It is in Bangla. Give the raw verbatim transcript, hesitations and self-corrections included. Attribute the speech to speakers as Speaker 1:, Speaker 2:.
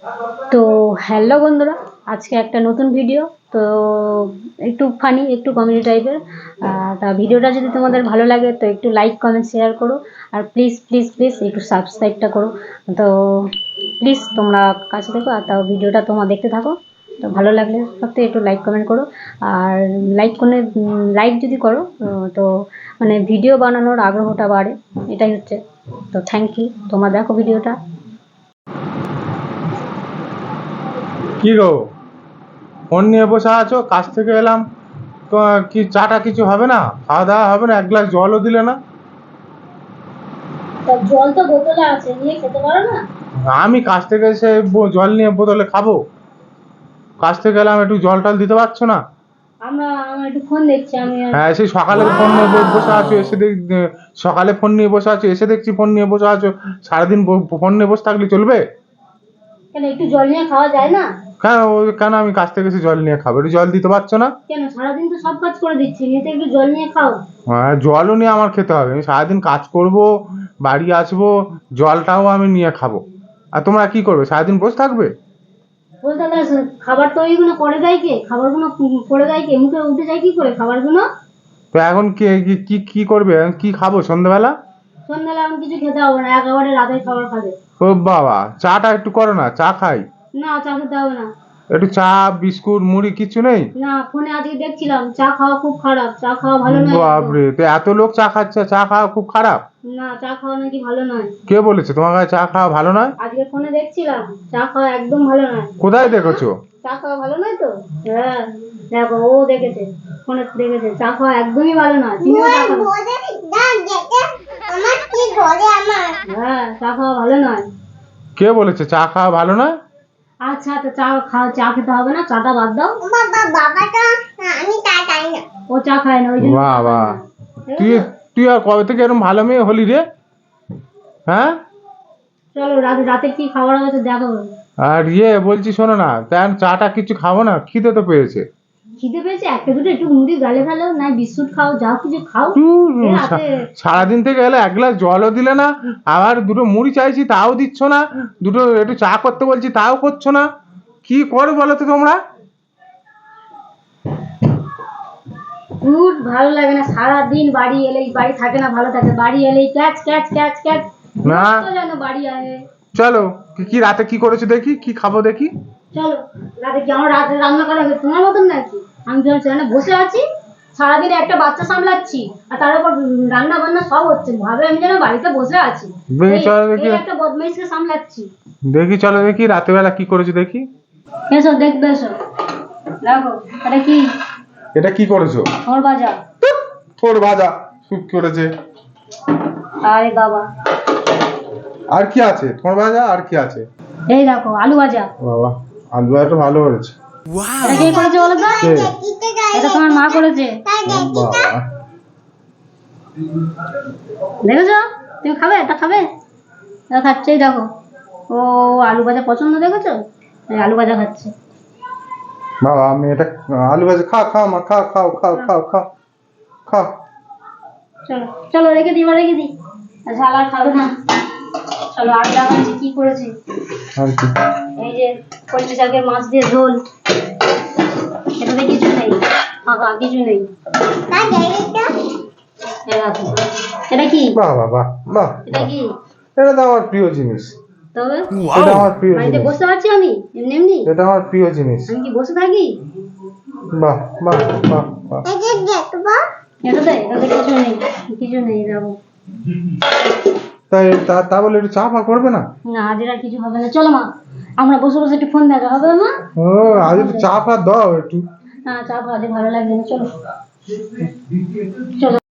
Speaker 1: তো হ্যালো বন্ধুরা, আজকে একটা নতুন ভিডিও। তো একটু ফানি, একটু কমেডি টাইপের। তা ভিডিওটা যদি তোমাদের ভালো লাগে তো একটু লাইক কমেন্ট শেয়ার করো, আর প্লিজ প্লিজ প্লিজ একটু সাবস্ক্রাইবটা করো। তো প্লিজ তোমরা কাছে দেখো, আর তাও ভিডিওটা তোমরা দেখতে থাকো। তো ভালো লাগলে সত্যি একটু লাইক কমেন্ট করো, আর লাইক করে লাইক যদি করো তো মানে ভিডিও বানানোর আগ্রহটা বাড়ে, এটাই হচ্ছে। তো থ্যাংক ইউ, তোমরা দেখো ভিডিওটা।
Speaker 2: কি গো, ফোন নিয়ে বসে আছো? কাজ থেকে এলাম, তো কি চাটা কিছু হবে না? খাওয়া দাওয়া হবে না? এক গ্লাস জলও দিলে না।
Speaker 1: জল তো বোতলে আছে, নিয়ে খেতে পারো না?
Speaker 2: আমি কাজ থেকে এসে ব- জল নিয়ে বোতলে খাবো? কাজ থেকে এলাম, একটু জল টল দিতে পারছো না?
Speaker 1: আমরা আমরা একটু ফোন দেখছি আমি।
Speaker 2: হ্যাঁ, সেই সকালে ফোন নিয়ে ব- বসে আছো, এসে দেখ সকালে ফোন নিয়ে বসে আছো, এসে দেখছি ফোন নিয়ে বসে আছো। সারাদিন ব- ফোন নিয়ে বসে থাকলে চলবে?
Speaker 1: কেন, একটু জল নিয়ে খাওয়া যায় না?
Speaker 2: কেন ও- কেন আমি কাজ থেকে এসে জল নিয়ে খাবো? একটু জল দিতে পারছো না?
Speaker 1: কেন, সারাদিন তো সব কাজ করে দিচ্ছি, নিয়ে তো একটু জল নিয়ে খাও।
Speaker 2: হ্যাঁ, জলও নিয়ে আমার খেতে হবে। আমি সারাদিন কাজ করব, বাড়ি আসবো, জলটাও আমি নিয়ে খাবো। আর তোমরা কি করবে? সারাদিন বসে থাকবে?
Speaker 1: বলতে গেলে খাবার তো ওইগুলো করে দেয় কে? খাবারগুলো করে দেয় কে? মুখে উঠে যায় কি করে খাবারগুলো?
Speaker 2: তো এখন কি কি কি কি করবে? এখন কি খাবো সন্ধ্যাবেলা?
Speaker 1: সন্ধ্যাবেলা এখন কিছু খেতে হবে না, একেবারে রাতের খাবার খাবে।
Speaker 2: ও বাবা, চাটা একটু করো না, চা খাই।
Speaker 1: না, চা খেতে হবে না।
Speaker 2: একটু চা, বিস্কুট, মুড়ি কিছু নেই?
Speaker 1: না, ফোনে আজকে দেখছিলাম চা খাওয়া খুব খারাপ, চা খাওয়া ভালো নয় একদম।
Speaker 2: বাপরে, তো এত লোক চা খাচ্ছে, চা খাওয়া খুব খারাপ?
Speaker 1: না, চা খাওয়া নাকি ভালো নয়।
Speaker 2: কে বলেছে তোমার কাছে চা খাওয়া ভালো নয়?
Speaker 1: আজকে ফোনে দেখছিলাম চা খাওয়া একদম ভালো নয়।
Speaker 2: কোথায় দেখেছো?
Speaker 1: চা খাওয়া ভালো নয় তো? হ্যাঁ, দেখো ও দেখেছে, ফোনে দেখেছে চা খাওয়া একদমই ভালো নয়। তুমিও চা খাও। হ্যাঁ, চা খাওয়া ভালো নয়।
Speaker 2: কে বলেছে চা খাওয়া ভালো নয়?
Speaker 1: আচ্ছা, তো চা খাও, চা খেতে হবে না, চাটা বাদ দাও। ও চা খায় না, ওই জন্য চা
Speaker 2: বাবা,
Speaker 1: খায় না।
Speaker 2: তুই
Speaker 1: দেখেছো?
Speaker 2: তুই আর কবে থেকে এরকম ভালো মেয়ে হলি রে? হ্যাঁ,
Speaker 1: চলো রাতে রাতে কি খাবার হবে তো দেখো।
Speaker 2: আর ইয়ে বলছি, শোনো না, তেন চাটা কিছু খাবো না? খিদে তো পেয়েছে।
Speaker 1: খিদে পেয়েছে, একটা দুটো একটু মুড়ি গালে ফেলো, না বিস্কুট খাও, যাও কিছু খাও।
Speaker 2: ধুর,
Speaker 1: এ রাতে
Speaker 2: সারাদিন থেকে এলে এক গ্লাস জলও দিলে না, আবার দুটো মুড়ি চাইছি তাও দিচ্ছ না, দুটো একটু চা করতে বলছি তাও করছো না। কি করো বলো তো তোমরা?
Speaker 1: গুড, ভালো লাগে না। সারাদিন বাড়ি এলেই, বাড়ি থাকে না ভালো থাকে, বাড়ি এলেই ক্যাচ ক্যাচ ক্যাচ ক্যাচ।
Speaker 2: না,
Speaker 1: যেন বাড়ি আসে।
Speaker 2: চলো, কি কি রাতে কি করেছো দেখি, কি খাবো দেখি।
Speaker 1: চলো রাতে কি আমার রাতে রান্না করা হয়েছে তোমার মতন নাকি? আমি যখন সেখানে বসে আছি, সারাদিন একটা বাচ্চা সামলাচ্ছি, আর তার উপর রান্না বান্না সব হচ্ছে, ভাবে আমি যেন বাড়িতে বসে আছি।
Speaker 2: দেখি,
Speaker 1: এই-
Speaker 2: চলো দেখি।
Speaker 1: এই একটা বদমাইশকে সামলাচ্ছি।
Speaker 2: দেখি, চলো দেখি রাতের বেলা কি করেছো দেখি।
Speaker 1: এসো দেখবে, এসো দেখো। এটা কি?
Speaker 2: এটা কি করেছো?
Speaker 1: থোড় ভাজা।
Speaker 2: থোড় ভাজা শুট করেছে।
Speaker 1: আরে বাবা,
Speaker 2: আর কি আছে? থোড় ভাজা আর কি আছে?
Speaker 1: এই দেখো আলু ভাজা।
Speaker 2: বাবা, আলু ভাজাটা ভালো করেছে।
Speaker 1: এটা কে করেছে বলো তো?
Speaker 2: কে?
Speaker 1: এটা তোমার মা করেছে।
Speaker 2: বাবা,
Speaker 1: দেখেছো? তুমি খাবে? এটা খাবে? এটা খাচ্ছে, এই দেখো। ও আলু ভাজা পছন্দ, দেখেছো? এই আলু ভাজা খাচ্ছে।
Speaker 2: বাবা, আমি এটা আলু ভাজা খা, খাও মা, খাও খাও খাও খাও খাও খাও।
Speaker 1: চলো চলো, রেখে দিই, বা রেখে দিই। ঝাল আর খাবে না। চলো আমি দেখাচ্ছি কি করেছি।
Speaker 2: আর কি?
Speaker 1: এই যে কলমি শাকের মাছ দিয়ে ঝোল। এটাতে কিছু নেই, ফাঁকা কিছু নেই। এই দেখো। এটা কি?
Speaker 2: বাহ বাহ বাহ বাহ,
Speaker 1: এটা কি?
Speaker 2: এটা তো আমার প্রিয় জিনিস।
Speaker 1: তবে
Speaker 2: এটা আমার প্রিয়
Speaker 1: বাড়িতে
Speaker 2: জিনিস।
Speaker 1: বসে আছি আমি এমনি এমনি।
Speaker 2: এটা আমার প্রিয় জিনিস।
Speaker 1: আমি কি বসে থাকি?
Speaker 2: বাহ বাহ বাহ বাহ।
Speaker 1: এটাতে এটাতে কিছু নেই, কিছু নেই দেখো।
Speaker 2: তাই তা তা বলে একটু চা ফা করবে না?
Speaker 1: না, আজ আর কিছু হবে না। চলো মা, আমরা বসে বসে একটু ফোন দেখা হবে মা।
Speaker 2: ও, আজ একটু চা ফা দাও একটু।
Speaker 1: না, চা খাওয়াতে ভালো লাগবে না, চলো চলো।